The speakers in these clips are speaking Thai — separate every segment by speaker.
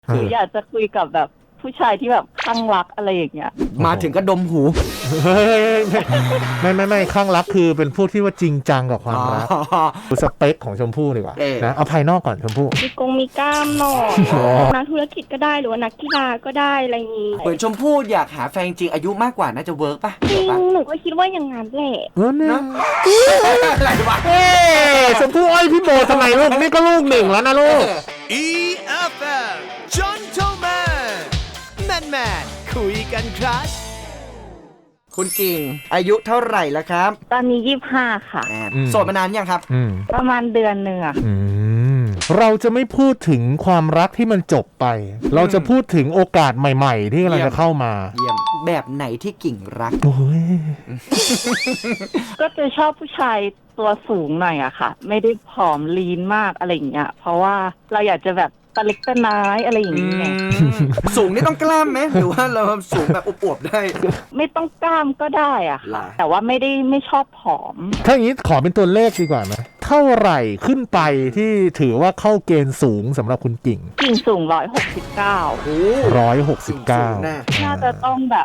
Speaker 1: หรืออยากจะคุยกับแบบผู้ชายที่แบบคลั่งรักอะไรอย่างเงี้ย
Speaker 2: มาถึงก็ดมหู
Speaker 3: ไม่ข้างรักคือเป็นพวกที่ว่าจริงจังกับความรักดูสเปคของชมพู่ดีกว่านะเอาภายนอกก่อนชมพู่
Speaker 4: มีกงมีกล้ามหน่อยนักธุรกิจก็ได้หรือว่านักกีฬาก็ได้อะไรอย่างงี้
Speaker 2: เหมือนชมพู่อยากหาแฟนจริงอายุมากกว่าน่าจะเวิร์กป่ะ
Speaker 4: จริงหนูก็คิดว่าอย่างนั้นแหละ
Speaker 3: เนี่ย
Speaker 2: อะไรวะ
Speaker 3: ชมพู่อ้อยพี่โบทำไมลูกนี่ก็ลูกหนึ่งแล้วนะลูก
Speaker 5: EFM Gentleman Man คุยกันครับ
Speaker 2: คุณกิ่งอายุเท่าไหร่แล้วครับ
Speaker 1: ตอนนี้25ค่ะ
Speaker 2: โสดมานานยังครับ
Speaker 1: ประมาณเดือนหนึ่งอะ
Speaker 3: เราจะไม่พูดถึงความรักที่มันจบไปเราจะพูดถึงโอกาสใหม่ๆที่กำลังจะเข้ามา
Speaker 2: เยี่ยมแบบไหนที่กิ่งรัก
Speaker 3: โอ้ย
Speaker 1: ก็จะชอบผู้ชายตัวสูงหน่อยอะค่ะไม่ได้ผอมลีนมากอะไรอย่างเงี้ยเพราะว่าเราอยากจะแบบตะเล็กตะน้อยอะไรอย่างเงี้ย
Speaker 2: สูงนี่ต้องกล้ามไหมหรือว่าเราสูงแบบอวบๆได้
Speaker 1: ไม่ต้องกล้ามก็ได้อะค่ะแต่ว่าไม่ชอบผอม
Speaker 3: ถ้าอย่างนี้ขอเป็นตัวเลขดีกว่าไหมเท่าไหร่ขึ้นไปที่ถือว่าเข้าเกณฑ์สูงสำหรับคุณกิ่ง
Speaker 1: สูง169
Speaker 3: 169
Speaker 1: น่าจะต้องแบบ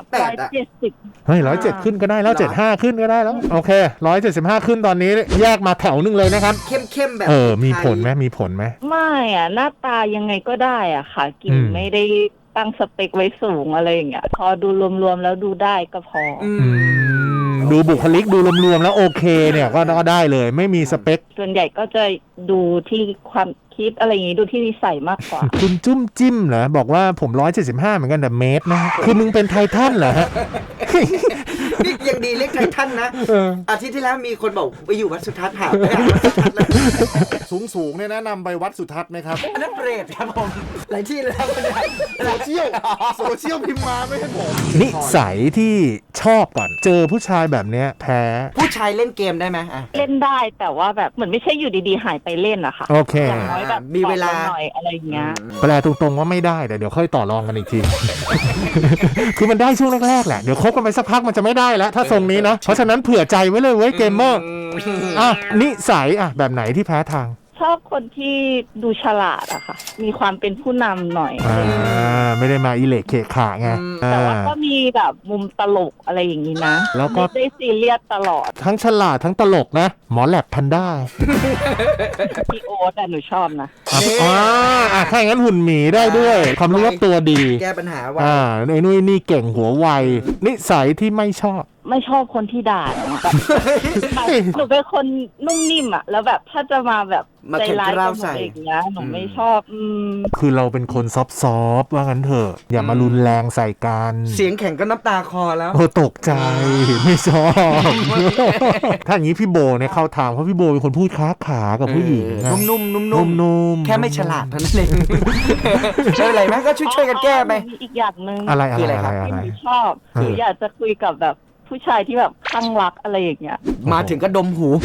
Speaker 1: 170
Speaker 3: เฮ้ย107ขึ้นก็ได้แล้ว75ขึ้นก็ได้แล้วโอเค175ขึ้นตอนนี้แยกมาแถวนึงเลยนะครับ
Speaker 2: เข้มๆแบบ
Speaker 3: มีผลไหม
Speaker 1: ไม่อะหน้าตายังไงก็ได้อะค่ะกิ่งไม่ได้ตั้งสเปคไว้สูงอะไรอย่างเงี้ยพอดูรวมๆแล้วดูได้ก็พอ
Speaker 3: ดูบุคลิกดูรวมๆแล้วโอเคเนี่ยก็ได้เลยไม่มีสเปค
Speaker 1: ส่วนใหญ่ก็จะดูที่ความคิดอะไรอย่างงี้ดูที่นิสัยมากกว่า
Speaker 3: คุณจุ้มจิ้มเหรอบอกว่าผม175เหมือนกันแต่เมตรนะคือมึงเป็นไททันเหรอฮะ
Speaker 2: นี่ยังดีเล็กไททันนะอาทิตย์ที่แล้วมีคนบอกไปอยู่วัดสุทัศน์หาไปวัดสุทัศน์เลย
Speaker 3: สูงเนี่ยแนะนำไปวัดสุทัศน์ไหมครับ
Speaker 2: อันนั้นเปรตครับผมหลายที่เลยครับ
Speaker 3: โซเชียลพิมพ์มาไม่ให้ผมนิสัยที่ชอบก่อนเจอผู้ชายแบบเนี้ยแพ้
Speaker 2: ผู้ชายเล่นเกมได้ไหม
Speaker 1: เล่นได้แต่ว่าแบบเหมือนไม่ใช่อยู่ดีๆหายไปเล่นอะค่ะ
Speaker 3: โอเค
Speaker 1: อย่างน้อยแบบ
Speaker 2: มีเวลา
Speaker 1: หน่อยอะไรอย่างเงี้ย
Speaker 3: แปลตรงๆว่าไม่ได้แต่เดี๋ยวค่อยต่อรองกันอีกที คือมันได้ช่วงแรกๆแหละเดี๋ยวคบกันไปสักพักมันจะไม่ได้แล้วถ้าทรงนี้เนาะเพราะฉะนั้นเผื่อใจไว้เลยเว้ยเกมเมอร์นิสัยแบบไหนที่แพ้ทาง
Speaker 1: ชอบคนที่ดูฉลาดอะค่ะมีความเป็นผู้นำหน่อย
Speaker 3: ไม่ได้มาอิเล็กเคขาไง
Speaker 1: แต่ว่าก็มีแบบมุมตลกอะไรอย่างนี้นะ
Speaker 3: แล้วก็
Speaker 1: ไม่ได้ซีเรียสตลอด
Speaker 3: ทั้งฉลาดทั้งตลกนะหมอแลบพันด้า
Speaker 1: พี่โอ๊ตหนูชอบนะ
Speaker 3: ถ้าอย่างนั้นหุ่นหมีได้ด้วยความรู้รอบตัวดี
Speaker 2: แก้ปัญหาไว
Speaker 3: ไอ้นุ้ยนี่เก่งหัวไวนิสัยที่ไม่ชอบ
Speaker 1: คนที่ด่าหนูเป็นคนนุ่มนิ่มอะแล้วแบบถ้าจะมาแบบใจร้ายกับหนูอย่างเงี้ยหนูไม่ชอบ
Speaker 3: คือเราเป็นคนซอฟว่างั้นเถอะอย่ามารุนแรงใส่กัน
Speaker 2: เสียงแข็งก็น้ำตาคอแล้ว
Speaker 3: โอ้ตกใจไม่ชอบถ้าอย่างนี้พี่โบเนี่ยเข้าทางเพราะพี่โบเป็นคนพูดค้าขากับผู้หญิง
Speaker 2: นุ่มแค่ไม่ฉลาดเท่านั้นเองใช่อะไรไหมก็ช่วยกันแก้ไป
Speaker 1: อีกอย่างนึง
Speaker 3: อะไร
Speaker 1: ที่หนูชอบหรืออยากจะคุยกับแบบผู้ชายที่แบบคลั่งรักอะไรอย่างเงี้ย
Speaker 2: มาถึงก็ดมหู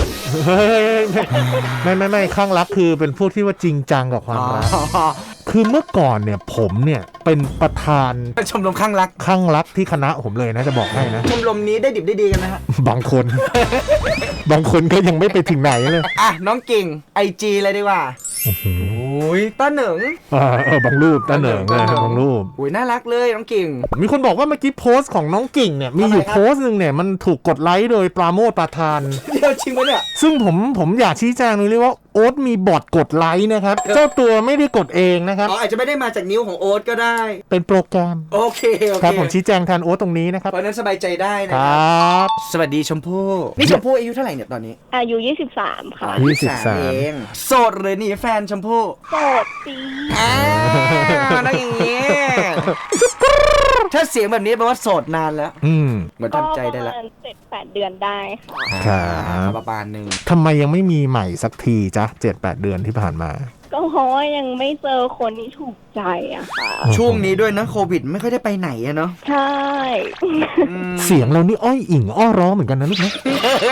Speaker 3: ไม่คลั่งรักคือเป็นพวกที่ว่าจริงจังกับความรักคือเมื่อก่อนเนี่ยผมเนี่ยเป็นประธาน
Speaker 2: ชมรมคลั่ง
Speaker 3: รักที่คณะผมเลยนะจะบอกให้นะ
Speaker 2: ชมรมนี้ได้ดิบได้ดีกันไหมฮะ
Speaker 3: บางคนก็ยังไม่ไปถึงไหนเลย
Speaker 2: น้องกิ่ง IG เลยดีกว่าโอ้ยต้าเหนิง
Speaker 3: บางรูปต้าเหนิงบางรูป
Speaker 2: โอ้ยน่ารักเลยน้องกิ่ง
Speaker 3: มีคนบอกว่าเมื่อกี้โพสต์ของน้องกิ่งเนี่ยมีอยู่โพสต์นึงเนี่ยมันถูกกดไลค์โดยปราโมทประธาน
Speaker 2: เดี๋ยวจริงไหมเนี่ย
Speaker 3: ซึ่งผมอยากชี้แจงเลยว่าโอ๊ตมีบอทกดไลค์นะครับเจ้าตัวไม่ได้กดเองนะครับ
Speaker 2: อาจจะไม่ได้มาจากนิ้วของโอ๊ตก็ได้
Speaker 3: เป็นโปรแกรม
Speaker 2: โอเค
Speaker 3: ครับผมชี้แจงแทนโอ๊ตตรงนี้นะครับ
Speaker 2: เพราะนั้นสบายใจได้นะครับสวัสดีชมพู่นี่ชมพู่อายุเท่าไหร่เนี่ยตอนนี้
Speaker 4: อายุ23ค่ะ
Speaker 3: 23
Speaker 2: เองโสดหรือหนีแฟนชมพู่
Speaker 4: โสดสิ
Speaker 2: นั่งอย่างงี้ถ้าเสียงแบบนี้แปลว่าโสดนานแล้วเหมือนทำใจได้แล้ว
Speaker 4: 7-8 เดือนได้
Speaker 3: ค่ะ
Speaker 2: ประมาณนึง
Speaker 3: ทำไมยังไม่มีใหม่สักทีจ๊ะ 7-8 เดือนที่ผ่านมา
Speaker 4: ก็เพราะว่ายังไม่เจอคนที่ถูกใจอะค่ะ
Speaker 2: ช่วงนี้ด้วยนะโควิดไม่ค่อยได้ไปไหนอะเนาะ
Speaker 4: ใช่
Speaker 3: เสียงเรานี่อ้อยอิงอ้อร้องเหมือนกันนะลูกนะ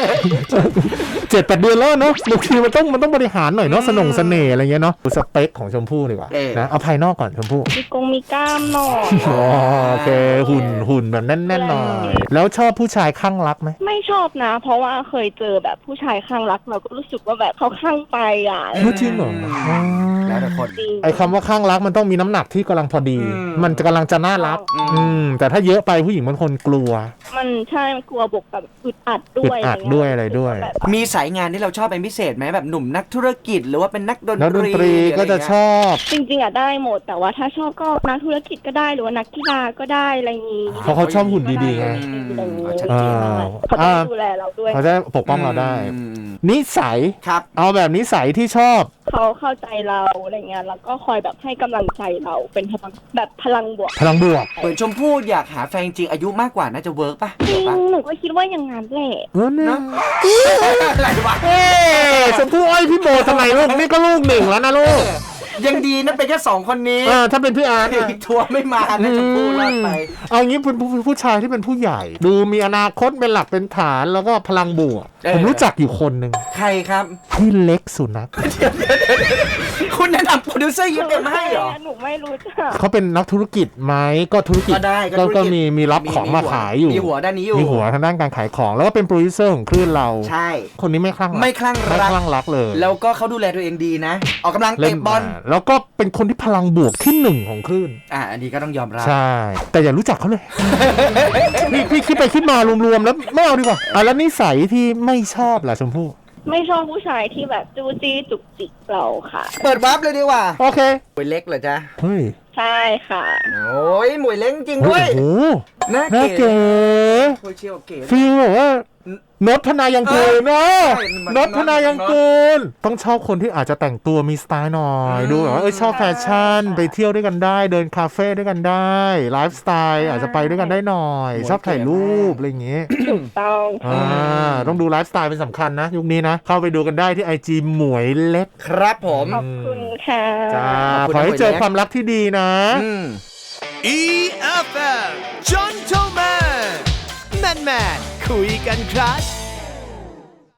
Speaker 3: 7-8 เดือนแล้วเนาะบางทีมันต้องบริหารหน่อยเนาะเสน่ห์อะไรเงี้ยเนาะดูสเปคของชมพู่ดีกว่านะเอาภายนอกก่อนชมพู่
Speaker 4: มีกงมีกล้ามหน่อย
Speaker 3: โอเคหุ่นแบบแน่นๆหน่อยแล้วชอบผู้ชายคลั่งรักไหม
Speaker 4: ไม่ชอบนะเพราะว่าเคยเจอแบบผู้ชายคลั่งรักเราก็รู้สึกว่าแบบเขาคลั่งไปอ่ะ
Speaker 3: จริงเหรอ
Speaker 2: แล้วแต่คน
Speaker 4: จริง
Speaker 3: ไอ้คำว่าข้างรักมันต้องมีน้ำหนักที่กำลังพอดี มันจะกำลังจะน่ารัก แต่ถ้าเยอะไปผู้หญิงบางคนกลัว
Speaker 4: มันใช่มันกลัวบวกกับอึดอัดด้
Speaker 3: อึ
Speaker 4: ว
Speaker 3: ด
Speaker 4: ย
Speaker 3: อัดด้วยอะไรด้วย
Speaker 4: แบบ
Speaker 2: มีสายงานที่เราชอบเป็นพิเศษไหมแบบหนุ่มนักธุรกิจหรือว่าเป็นนักดน
Speaker 3: นัก
Speaker 2: ต
Speaker 3: ดน
Speaker 2: รี
Speaker 3: ตรีก็จะชอบ
Speaker 4: จริงๆอะได้หมดแต่ว่าถ้าชอบก็นักธุรกิจก็ได้หรือว่านักกีฬาก็ได้อะไรอย่างงี้
Speaker 3: เพราะเขาชอบหุ่นดีๆไง
Speaker 4: อะไรอย่างงี้
Speaker 2: ชัดเจนมาก
Speaker 4: เขาต้องดูแลเราด้วย
Speaker 3: เขาจะปกป้องเราได้ นิสัย
Speaker 2: ครับ
Speaker 3: เอาแบบนิสัยที่ชอบ
Speaker 4: เขาเข้าใจเราอะไรเงี้ยแล้วก็คอยแบบให้กำลังใจเราเป็นพลังแบบพลังบวก
Speaker 3: พลังบวก
Speaker 2: เหมือนชมพู่อยากหาแฟนจริงอายุมากกว่าน่าจะเวิร์กป่ะ
Speaker 4: จริ
Speaker 2: เดี๋ยว
Speaker 4: ง
Speaker 2: ป่ะ
Speaker 4: หนูก็คิดว่าอย่างนั้นแหละ
Speaker 3: เนี่ย
Speaker 2: อะไรวะ
Speaker 3: เอ๊ะชมพู่อ้อยพี่โบทำไมลูกนี่ก็ลูกหนึ่งแล้วนะลูก
Speaker 2: ยังดีนะเป็นแค่2 คนนี้
Speaker 3: ถ้าเป็นพี่อาร์ตอะ
Speaker 2: ทัวร์ไม่มานะชมพู่รอดไป
Speaker 3: เอางี้เป็นผู้ชายที่เป็นผู้ใหญ่ ดูมีอนาคตเป็นหลักเป็นฐานแล้วก็พลังบวก ผมรู้จักอยู่คนหนึ่ง
Speaker 2: ใครครับ
Speaker 3: พี่เล็กสุนัข
Speaker 2: คุณแนะนำโปรดิวเซอร์ยิ้มมาให้เหรอ
Speaker 4: หนูไม่รู้จัก
Speaker 3: เขาเป็นนักธุรกิจไหมก็ธุรกิจ
Speaker 2: ก็ได้ก็ธุรกิจ
Speaker 3: ก็มีรับของมาขายอยู่
Speaker 2: มีหัวด้านนี้อยู่
Speaker 3: มีหัวทางด้านการขายของแล้วก็เป็นโปรดิวเซอร์ของคลื่นเรา
Speaker 2: ใช่
Speaker 3: คนนี้ไม่คลั่งรัก
Speaker 2: ไม่คลั่งรัก
Speaker 3: ไม่คลั่งรักเลย
Speaker 2: แล้วก็เขาดูแลตัวเองดีนะ ออกกำลัง
Speaker 3: เล่
Speaker 2: เตะ
Speaker 3: น
Speaker 2: บอล
Speaker 3: มาแล้วก็เป็นคนที่พลังบวกที่หนึ่งของคลื่น
Speaker 2: อันนี้ก็ต้องยอมรับ
Speaker 3: ใช่ แต่อย่ารู้จักเขาเลย พี่คิดไปคิดมารวมๆแล้วไม่เอาดีกว่าแล้วนิสัยที่ไม่ชอบล่ะชมพู่
Speaker 4: ไม่ชอบผู้ชายที่แบบจู้จี้จุกจิกเราค่ะ
Speaker 2: เปิดวาร์ปเลยดีกว่า
Speaker 3: โอเค
Speaker 2: หมวยเล็กเหรอจ๊ะ
Speaker 3: เฮ้ย
Speaker 4: ใช่ค่ะ
Speaker 2: โอ้ยหมวยเล็กจริงด้วย
Speaker 3: โอ้โห
Speaker 2: น่า
Speaker 3: น่า
Speaker 2: เก๋
Speaker 3: เก๋
Speaker 2: โอ้ยเชียวเก๋
Speaker 3: ฟีลแบบว่านดพนายังเกินนะ
Speaker 2: ใช่มัน
Speaker 3: นดพนายังเกินต้องชอบคนที่อาจจะแต่งตัวมีสไตล์หน่อยดูแบบว่าชอบแฟชั่นไปเที่ยวด้วยกันได้ เดินคาเฟ่ด้วยกันได้ไลฟ์สไตล์อาจจะไปด้วยกันได้หน่อย ชอบถ่ายรูปอะไรอย่างเงี้ย
Speaker 4: ถูกต้อง
Speaker 3: ต้องดูไลฟ์สไตล์เป็นสำคัญนะ ยุคนี้นะ เข้าไปดูกันได้ที่ IG หมวยเล็ก
Speaker 2: ครับผม
Speaker 4: ขอบคุณค่ะ
Speaker 3: จ้า
Speaker 2: ขอบคุณ
Speaker 3: ขอให้เจอ
Speaker 2: หมวยเล็ก
Speaker 3: ความรักที่ดีนะ
Speaker 5: EFM Gentleman Man คุยกันครับ